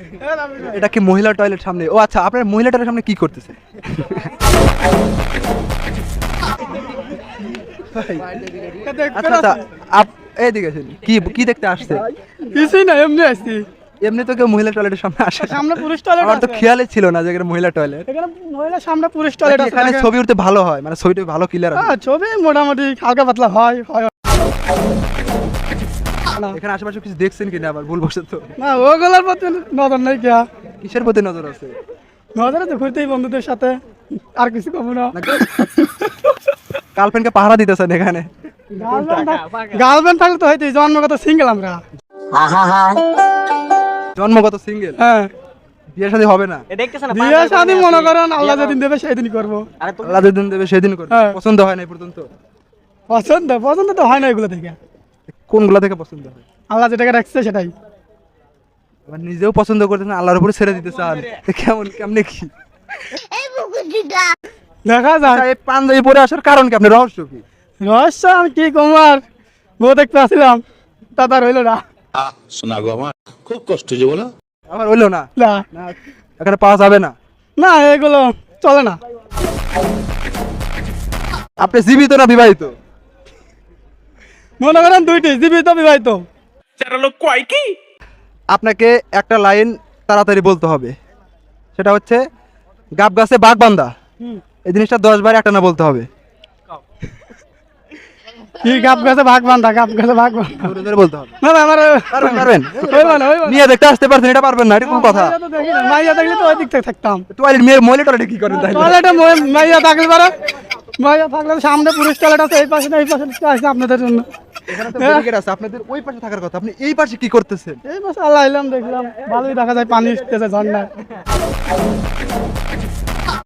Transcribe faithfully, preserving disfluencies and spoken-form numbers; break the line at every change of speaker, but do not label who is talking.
এটা কি মহিলা টয়লেট সামনে? ও আচ্ছা, আপনার মহিলা টয়লেট সামনে কি করতেছে? আচ্ছা আচ্ছা, আপ- এইদিকে আসেন। কি কি দেখতে আসছে?
কিছুই না, এমনি আসছি।
এমনি তো কেউ মহিলা টয়লেটের সামনে আসে না।
সামনে পুরুষ টয়লেট
আমার তো
আছে।
খেয়ালই ছিল না যে এখানে মহিলা টয়লেট।
এখানে মহিলা সামনে পুরুষ টয়লেট আছে।
এখানে
দেখেন।
ছবি উঠতে ভালো হয়, মানে ছবিটা ভালো ক্লিয়ার
হ্যাঁ, ছবি মোটামুটি হালকা পাতলা হয় হয় না।
এখানে আশেপাশে কিছু দেখছেন কিনা আবার ভুল বসে তো?
না, ওগুলোর প্রতি নজর নেই কে।
কিসের প্রতি নজর আছে?
নজরে তো ঘুরতেই বন্ধুদের সাথে, আর কিছু কমু না।
গার্লফ্রেন্ডকে পাহারা দিতেছেন এখানে?
গার্লফ্রেন্ড থাকলে তো হয়তো জন্মগত সিঙ্গেল আমরা।
জন্মগত সিঙ্গেল,
হ্যাঁ,
বিয়ে শাদী হবে না?
বিয়ে শাদী মনে করেন আল্লাহ যেদিন দেবে সেদিন করবো।
আল্লাহ যেদিন দেবে সেদিন করবে।
হ্যাঁ।
পছন্দ হয় না এই পর্যন্ত?
পছন্দ পছন্দ তো হয় না এগুলো থেকে।
কোনগুলা থেকে পছন্দ হয়?
আল্লাহ যেটাকে রাখছে সেটাই।
আবার নিজেও পছন্দ করতেছেন, আল্লাহর উপরে ছেড়ে দিতে চান, এ কেমন কেমনে কি?
দেখা যায়।
আচ্ছা, এই পাঞ্জাবি পরে আসার কারণ কি, আপনার রহস্য কি?
রহস্য আমি কি কমার, বউ দেখতে আসছিলাম, তা তার হইলো না।
শোনা গো আমার খুব কষ্ট যে বলো।
আমার হইলো না?
না
না, এখানে পাওয়া যাবে না?
না, এগুলো চলে না।
আপনি জীবিত না বিবাহিত?
মনে করেন দুইটি, জীবিত বিবাহিত।
আপনাকে একটা লাইন তাড়াতাড়ি বলতে হবে, সেটা হচ্ছে গাব গাছে বাঘ বান্ধা। এই জিনিসটা দশ বার একটা না বলতে হবে।
কি গাব গাছে ভাগ বান্ধা, গাব গাছে ভাগ বান্ধা।
জোরে জোরে বলতে হবে।
না না, আমার
পারবেন পারবেন?
হইবো না, হইবো না।
নিয়ে দেখতে আসতে পারছেন, এটা পারবেন না, এটা কোন কথা?
মাইয়া তো দেখি না, মাইয়া দেখলে তো ওই দিক থেকে থাকতাম।
টয়লেট মেয়ে মহিলা টয়লেটে কি করেন তাই?
টয়লেটে মই- মাইয়া থাকলে পারে, মাইয়া থাকলে সামনে পুরুষ টয়লেট আছে, এই পাশে না এই পাশে আছে আপনাদের জন্য।
এখানে তো ব্যারিকেড আছে, আপনাদের ওই পাশে থাকার কথা, আপনি এই পাশে কি করতেছেন?
এই পাশে আল্লাহ এলাম দেখলাম, ভালোই দেখা যায় পানি উঠতেছে ঝর্ণায়।